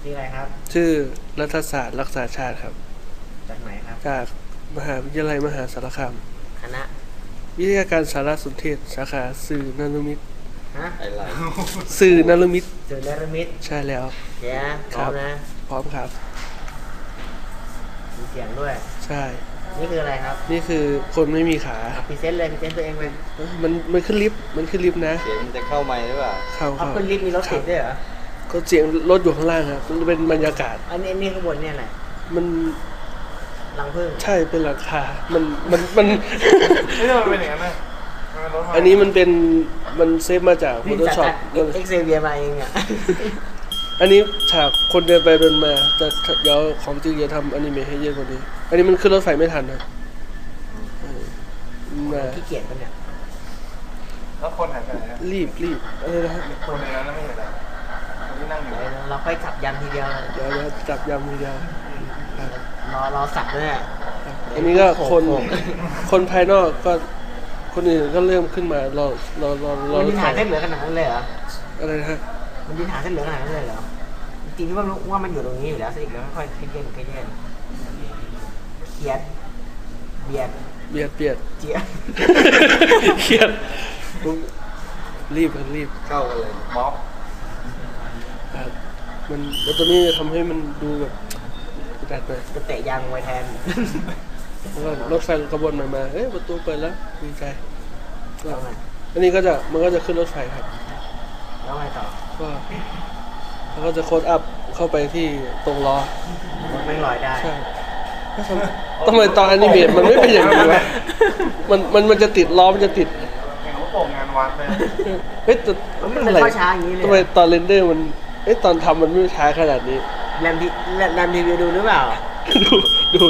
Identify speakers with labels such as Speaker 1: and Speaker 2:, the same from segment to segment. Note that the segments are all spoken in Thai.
Speaker 1: ชื่ออะไรครับ
Speaker 2: ชื่อรัฐศาสตร์รักษาชาติครับ
Speaker 1: จากไหนครับ
Speaker 2: จากมหาวิทยาลัยมหาสารคาม
Speaker 1: คณะ
Speaker 2: วิทยาการสารสนเทศสาขาสื่อนรมิตร
Speaker 1: ฮะ
Speaker 3: อะไร
Speaker 2: สื่อนรมิตร
Speaker 1: สื่อนรมิตร
Speaker 2: ใช่แล้ว
Speaker 1: เดี๋ยวพร้อมนะ
Speaker 2: พร้อมครับ
Speaker 1: มีเสียงด้วย
Speaker 2: ใช่
Speaker 1: นี่คืออะไรครับ
Speaker 2: นี่คือคนไม่มีขา
Speaker 1: พรีเซนต์เลยพรีเซนต์ตัวเองเลย
Speaker 2: มันขึ้นลิฟต์นะ
Speaker 3: เสียงมันจะเข้าไมค์หรือเปล่า
Speaker 1: เขาขึ้นลิฟต์มีรถติดด้วยเหรอ
Speaker 2: ก็เสียงรถอยู่ข้างล่างครับมันเป็นบรรยากาศ
Speaker 1: อันนี้ข้างบนเนี่ยแหละ
Speaker 2: มัน
Speaker 1: รังผึ้ง
Speaker 2: ใช่เป็นหลังคามัน
Speaker 4: ไม่ใช่มันเป็นอย่างนั้นนะ
Speaker 2: อันนี้มันเซฟมาจาก Photoshop
Speaker 1: เอ็กเซเวียมาเองอ่ะ
Speaker 2: อันนี้ฉากคนเดินไปเดินมาแต่เดี๋ยวของจริงจะทำอนิเมะให้เยอะกว่านี้อันนี้มันขึ้นรถไฟไม่ทันนะ
Speaker 1: ขี้เกียจปะเนี่ย
Speaker 4: แล้วคนหายไปไหนครับ
Speaker 2: รีบอะไรนะ
Speaker 4: คนในนั้นไม่เห็นอะไรคนที่นั่งอยู่
Speaker 1: เราค่อยจับยันทีเดียว
Speaker 2: เดี๋ยวจับยำทีเดียว
Speaker 1: รอสับด้วย
Speaker 2: อันนี้ก็คนภายนอกก็คนอื่นก็เริ่มขึ้นมารอ
Speaker 1: มันมีฐานเส้นเหลือขนาดนั้นเลยเหรอ
Speaker 2: อะไรนะฮะ
Speaker 1: มันมีฐานเส้นเหลือขนาดนั้นเลยเหรอจริงๆว่ามันอยู่ตรงนี้อยู่แล้วสิแล้วค่อยเขียนเบียด
Speaker 2: เจี๊ยเขียดรีบ
Speaker 3: เข้ากันเลย
Speaker 4: ม็อบ
Speaker 2: มันแล้วตัวนี้จะทำให้มันดูแบบแดดไป
Speaker 1: จะเตะยางไว้แทน
Speaker 2: แล้วก็รถไฟขบวนใหม่มาประตูเปิดแล้วดีใจอันนี้มันก็จะขึ้นรถไฟครับ
Speaker 1: แล้วไงต่อ
Speaker 2: ก็จะโค้ดอัพเข้าไปที่ตรงล้อ
Speaker 1: มันไม่ลอยได้
Speaker 2: ใช่ทำไมตอนอนิเมะมันไม่เป็นอย่างนี้วะมันจะติดล้อมันจะติด
Speaker 4: เห็นว่าโป่งงานวัดเลย
Speaker 2: แต่
Speaker 1: มันอะไรช้าอย่างนี้เลย
Speaker 2: ทำไมตอนเรนเดอร์มันตอนทำมันไม่ช้าขนาดนี้
Speaker 1: แรมรีวิวดูหรือเปล่า
Speaker 2: ดู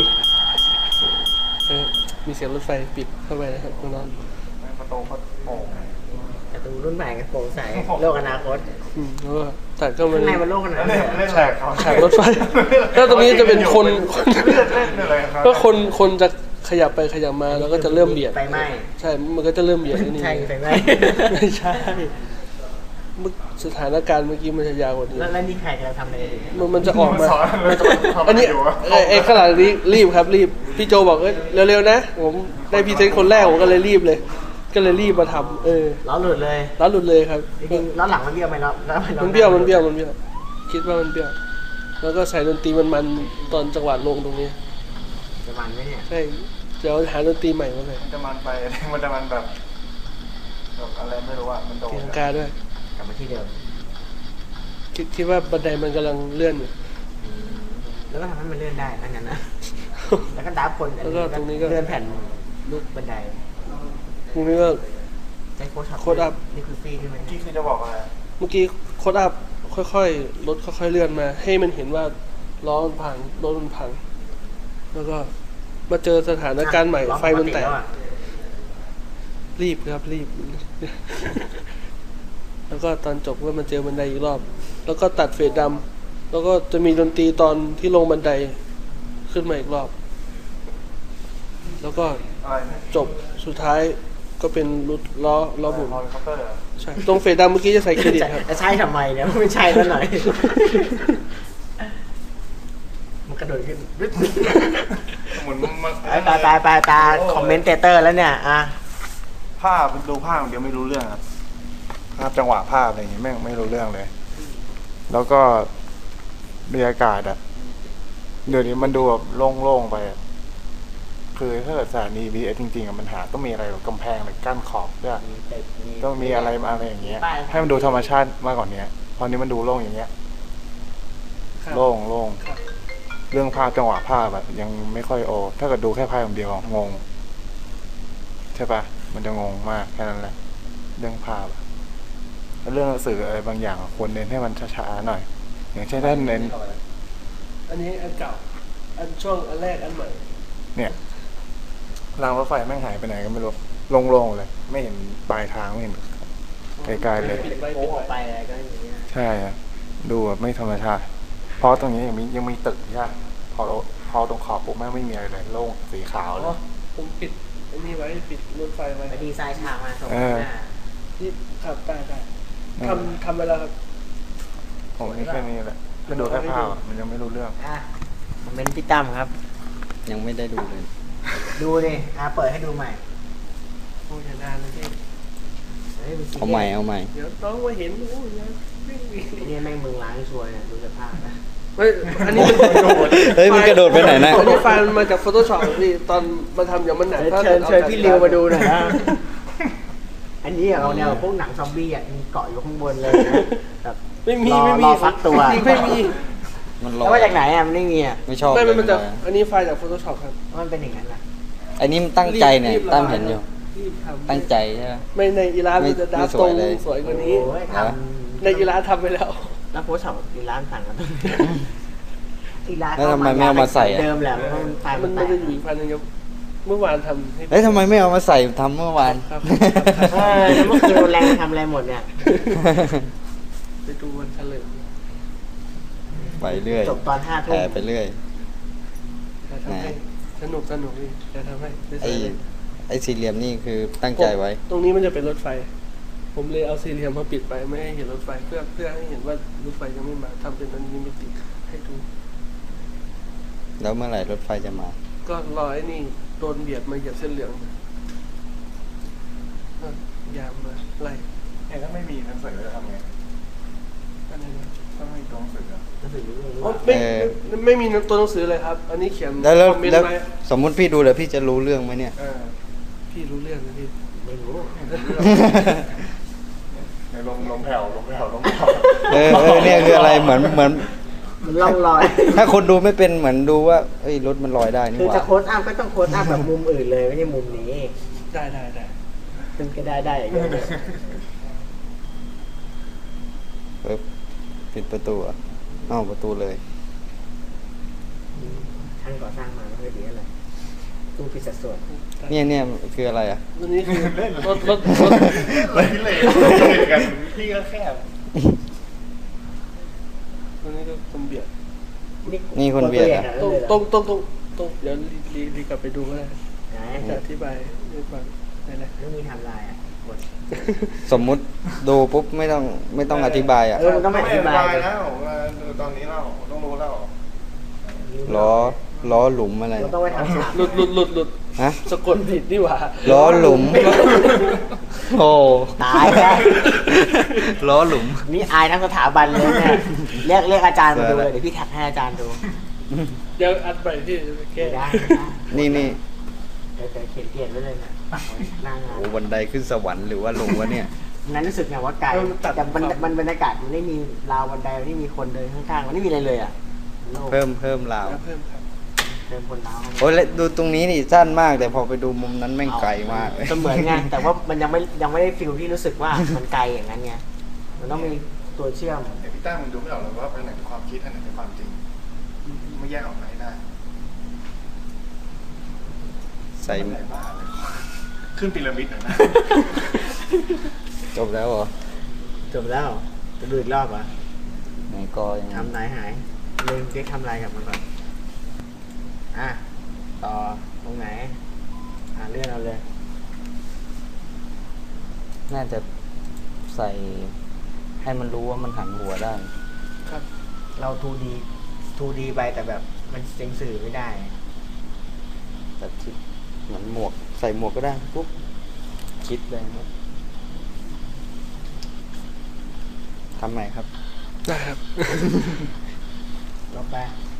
Speaker 2: มีเสียงรถไฟปิดเข้าไปนะครับน้อง
Speaker 4: ประตูเขาโป่ง
Speaker 1: ประตูรุ่นใหม่กับโปร่งใสโลกอนาคต
Speaker 2: แล้วก็แต่ก็มัน
Speaker 1: ข้างในมันโลกขนาดไหน
Speaker 2: ฉากรถไฟแล้วตรงนี้จะเป็นคนก็คนจะขยับไปขยับมาแล้วก็จะเริ่มเบียด
Speaker 1: ไฟไหม้
Speaker 2: ใช่มันก็จะเริ่มเบียดนี่
Speaker 1: ใช่ไฟไหม้
Speaker 2: ไม่ใช่สถานการณ์เมื่อกี้มันจะยาวกว่านี้
Speaker 1: แล้วนี่ใครจะทำอะไร
Speaker 2: มันจะออกมาอันนี้ขนาดนี้รีบครับรีบพี่โจบอกเร็วๆนะผมได้พรีเซนต์คนแรกผมก็เลยรีบมาทำ
Speaker 1: ล้อหลุดเลย
Speaker 2: ครับ
Speaker 1: จริงๆล้อหลังมันเบี้ยวไหม
Speaker 2: มันเบี้ยวคิดว่ามันเบี้ยวแล้วก็ใส่ดนตรีมันตอนจังหวะลงตรงนี้
Speaker 1: จะมันไหมเนี่ย
Speaker 2: ใช่เดี๋ยวหาดนตรีใหม่มาเลย
Speaker 4: จะมันไปมันจะมันแบบอะไรไม่รู้อ่ะมันโดน
Speaker 2: ตีลังกาด้วย
Speaker 1: กลับมาที่เดิม
Speaker 2: คิดว่าบันไดมันกำลังเลื่อนอยู่
Speaker 1: แล้วก็ทำให้มันเลื่อนได้ทั้งนั้นนะแล้วก็ดับคน
Speaker 2: แล้วก็ตรงนี้ก็
Speaker 1: เลื่อนแผ่นลูกบันได
Speaker 2: ตรงนี้ก็
Speaker 1: ใช้โค้ดอัพนี่คือฟรีใช่ไหม
Speaker 4: ที่คือจะบอกอะไร
Speaker 2: เมื่อกี้โค้ดอัพค่อยๆรถค่อยๆเลื่อนมาให้มันเห็นว่าล้อมันพังรถมันพังแล้วก็มาเจอสถานการณ์ใหม่ไฟมันแตกรีบแล้วก็ตอนจบก็มาเจอบันไดอีกรอบแล้วก็ตัดเฟดดำแล้วก็จะมีดนตรีตอนที่ลงบันไดขึ้นมาอีกรอบแล้วก็จบสุดท้ายก็เป็นรถล้อบุ๋มใช่ตรงเฟดดำเมื่อกี้จะใส่เครดิตครับ
Speaker 1: ใช่ทำไมเนี่ยไม่ใช่แล้วหน่อยมันกระโดดขึ้น
Speaker 4: เหมือน
Speaker 1: ตาคอมเมนเตอร์แล้วเนี่ย
Speaker 4: ภาพดูภาพเดี๋ยวไม่รู้เรื่องครับภาพจังหวะภาพอะไรอย่างงี้แม่งไม่รู้เรื่องเลยแล้วก็บรรยากาศเดี๋ยวนี้มันดูแบบโล่งๆไปคือถ้าเกิดสถานี BTS จริงๆมันหาต้องมีอะไรแบบกำแพงหรือกั้นขอบด้วยต้องมีอะไรอย่างเงี้ยให้มันดูธรรมชาติมากกว่านี้ตอนนี้มันดูโล่งอย่างเงี้ยโล่งเรื่องภาพจังหวะภาพยังไม่ค่อยถ้าเกิดดูแค่ภาพอย่างเดียวงงใช่ปะมันจะงงมากแค่นั้นแหละเรื่องภาพเรื่องสื่ออะไรบางอย่างควรเน้นให้มันช้าๆหน่อยอย่างเช่นท่านเน้น
Speaker 2: อันนี้อันเก่าอันช่วงอันแรกอันใหม่
Speaker 4: เนี่ยรางรถไฟแม่งหายไปไหนก็ไม่รู้โล่งๆเลยไม่เห็นปลายทางไม่เห็นไกลๆเลย
Speaker 1: โค้งออกไปอะไรก็อย่างเงี้ย
Speaker 4: ใช่ดูแบบไม่ธรรมชาติเพราะตรงนี้ยังมีตึกใช่พอตรงขอบปุ๊บแม่งไม่มีอะไรเลยโล่งสีขาวเลย
Speaker 2: ผมปิดอันนี้ไว้ปิดรถไฟไว้
Speaker 1: ดีไซน์ฉากมาตรงหน้า
Speaker 2: ที่ขับได้ทำไปแล้วครับ
Speaker 4: ผมนี่แค่นี้แหละก็ดูแค่ภาพอะมันยังไม่รู้เรื่อง
Speaker 1: อ่ะผมเป็นพี่ตั้มครับ
Speaker 3: ยังไม่ได้ดูเลย
Speaker 1: ดูดิเปิดให้ดูใหม่
Speaker 2: โอ้ยอย่านานเลยพี่
Speaker 1: เฮ้ยมันซี
Speaker 3: เอาใหม่เอาใหม่
Speaker 2: เดี๋ยวน้องมาเห็นโอ้ยนะวิ่ง
Speaker 1: เนี่ยแม่งมึงล้างชัวร์เนี่ยดูสภาพนะ
Speaker 2: ไม่อันนี้มันกระโดด
Speaker 3: เฮ้ยมันกระโดดไปไหนนะ
Speaker 2: อันนี้ไฟล์มันมาจาก Photoshop พี่ตอนมาทำอย่างมันหนักถ้า
Speaker 1: เชิญพี่ริวมาดูหน่อย
Speaker 2: นะ
Speaker 1: นะอันนี้เอาแนวพวกหนังซอมบี้อ่ะมีเกาะอยู่ข้างบนเลยนะแบบ
Speaker 2: ไม่มี
Speaker 1: รอ
Speaker 2: ไม่มี
Speaker 1: รอฟักตัว
Speaker 2: จริงๆไม่มี
Speaker 3: มันล
Speaker 1: แล้ว
Speaker 3: อย
Speaker 1: มาจากไหนอ่ะมันไม่มีอ่ะ
Speaker 3: ไม่ชอบ
Speaker 2: ไม่
Speaker 3: เลย
Speaker 2: มันจาก
Speaker 3: ลอย
Speaker 2: อันนี้ไฟล์จาก Photoshop ครับ
Speaker 1: มันเป็นอย่างนั้นล่ะ
Speaker 3: อันนี้มันตั้งใจเนี่ย
Speaker 2: รีบ
Speaker 3: ตั้มเห็นอยู่
Speaker 2: รีบทำ
Speaker 3: ตั้งใจใช่ไหม
Speaker 2: ไม่ในอีลา
Speaker 3: ไม่
Speaker 2: มันจะดับ
Speaker 3: ไม่ส
Speaker 2: ต
Speaker 3: ว
Speaker 2: ร
Speaker 3: ย
Speaker 2: ง
Speaker 3: เลย
Speaker 2: สวยกว่านี้
Speaker 1: โอ้ยท
Speaker 2: ในอีลาทำไปแล้ว
Speaker 1: ำแล้วโพสต์ของอีร้านสั่งกันตรงนี้อีร้าน
Speaker 3: แล้วทำไมไม่เอามาใส่อะ
Speaker 1: เดิมแหละเพราะมันไฟ
Speaker 2: มั
Speaker 1: มัน นแต
Speaker 2: มัน
Speaker 1: ก
Speaker 2: จะอยู่อีกพันหนึงครับเมื่อวานทำให้
Speaker 3: เฮ้ยทำไมไม่เอามาใส่ทำเมื่อวาน
Speaker 2: ครับ
Speaker 1: แล้วเมื่อคืนแรงทำอะไรหมดเนี่ย
Speaker 2: ไปดูวันเฉลิม
Speaker 3: ไปเรื่อย
Speaker 1: จบตอน5
Speaker 3: แผ
Speaker 1: ทุ่
Speaker 3: ล
Speaker 1: ม
Speaker 3: ไปเรื่อย
Speaker 2: จะทำให้สนุกพี่จะทำให้
Speaker 3: ไอ้ไอ้สี่เหลี่ยมนี่คือตั้งใจไว้
Speaker 2: ตรงนี้มันจะเป็นรถไฟ ผมเลยเอาสี่เหลี่ยมมาปิดไปไม่ให้เห็นรถไฟเพื่อให้เห็นว่ารถไฟยังไม่มาทำเป็นอันนี้ไม่ติดให้ดู
Speaker 3: แล้วเมื่อไหร่รถไฟจะมา
Speaker 2: ก็รอไอ้นี่โดนเบียดมาเหยียบเส้นเหลืองยามมาไล่
Speaker 4: เนี่ยถ้าไม่มีหนังสือจะทำไง
Speaker 2: อะไรนะ
Speaker 4: ถ้าไม่มีตัวหนังสืออะ
Speaker 1: รู้สึกรู้
Speaker 2: อ๋อ
Speaker 1: ว่า
Speaker 2: ไม่
Speaker 3: เออ
Speaker 2: ไม่มีตัวหนังสือเลยครับ อันนี้เขียน
Speaker 3: แล้ว
Speaker 2: คอมเมน
Speaker 3: แล้ว
Speaker 2: ต์ไว้
Speaker 3: สมมุติพี่ดูแล้วพี่จะรู้เรื่องไหมเนี่ย
Speaker 2: พี่รู้เรื่องนะพี่
Speaker 1: ไม่รู้
Speaker 4: ในลงแผ่วลงแผ่วลงแผ่ว
Speaker 3: เนี่ยคืออะไรเหมือน
Speaker 1: มันล่องลอย
Speaker 3: ถ้าคนดูไม่เป็นเหมือนดูว่าเอ้ยรถมันลอยได้นี่
Speaker 1: คือ
Speaker 3: ห
Speaker 1: จะ
Speaker 3: ว่า
Speaker 1: โค้ดอัพก็ต้องโค้ดอัพแบบมุมอื่นเลยไม่ใช่มุมนี้
Speaker 2: ได้
Speaker 1: มันก็ได้อย่างเงี้ย
Speaker 3: ปึ๊บปิดประตูอ่ะอ้าวประตูเลย
Speaker 1: ช่างก่อสร้างมาไม่ค่อยดีอะไรตู้ผิดสัดส่วน
Speaker 3: เนี่ยคืออะไรอ่ะ
Speaker 2: อันนี้คือรถ
Speaker 4: รถพิเรนกันพี่ก็แคบ
Speaker 2: อันนี้ก็คนเบียด
Speaker 3: นี่คนเบียดอะ
Speaker 2: ตรงเดี๋ยวรีกลับไปดูก็ได้
Speaker 1: ไหน
Speaker 2: จะอธิบายให้ฟังได้เลย
Speaker 1: ไม่มีทำลายอ่ะกด
Speaker 3: สมมุติดูปุ๊บไม่ต้องอธิบายอ่ะ
Speaker 1: มันต้องไม่อธิบาย
Speaker 4: แล้วดูตอนนี้แล้วต้องรู้แล้ว
Speaker 3: ล้อหลุมอะไร
Speaker 1: เราต้องไปทำฉาก
Speaker 2: หลุด
Speaker 3: ฮะ
Speaker 2: สะกดผิดนี่หว่า
Speaker 3: ล้อหลุม โอ้
Speaker 1: ตายแล้ว
Speaker 3: ล้อหลุม
Speaker 1: นี่อายทั้งสถาบันเลยเนี่ยเรียกอาจารย์มาดูเลยเดี๋ยวพี่แท็กให้อาจารย์ดู
Speaker 2: เดี๋ยวอัดไปที่จะไปแก้
Speaker 1: ไม่ได้
Speaker 3: นี่
Speaker 1: เดี๋ยวเขียนไว้เลยเนี่ยปักไว้หน้างาน
Speaker 3: โอ้บันไดขึ้นสวรรค์หรือว่าลงวะเนี่ย
Speaker 1: นั้นรู้สึกไงว่าไกลแต่มันบรรยากาศมันไม่มีราวบันไดมันไม่มีคนเดินข้างๆมันไม่มีอะไรเลยอ่ะโลก
Speaker 3: เพิ่มราว
Speaker 2: เพิ่มครับ
Speaker 1: เดินคนราว
Speaker 3: โอ้ยแล้วดูตรงนี้นี่สั้นมาก แต่พอไปดูมุมนั้นแม่งไกลมากเลย
Speaker 1: เสมือนไงแต่ว่ามันยังไม่ได้ฟิลที่รู้สึกว่ามันไกลอย่างนั้นไงมันต้องมีตัวเชื่อม
Speaker 4: ไอพี่ตั้งมึงดูไม่ออกเลยว่าอันไหนเป็นความคิดอันไหนเป็นความจริงไม่แยกออกมาให้ได้
Speaker 3: ใส่
Speaker 4: ไหนบ้าเลยขึ้นพีระมิดหน่อยนะ
Speaker 3: จบแล้วเหรอ
Speaker 1: จบแล้วจะดูอีกรอบเหรอ่ะ
Speaker 3: ไหนก็ยัง
Speaker 1: ทำไหนหายลืมเด็กทำอะไรกับมันก่อนอ่ะต่อตรงไหนเลื่อนเอาเลย
Speaker 3: น่าจะใส่ให้มันรู้ว่ามันหันหัวได้
Speaker 2: ครับ
Speaker 1: เรา 2D ไปแต่แบบมันเซ็งสื่อไม่ได้
Speaker 3: แต่ที่เหมือนหมวกใส่หมวกก็ได้ปุ๊บคิดเลยครับทำใหม่ครับ
Speaker 2: ได้ครับ
Speaker 1: ลบไป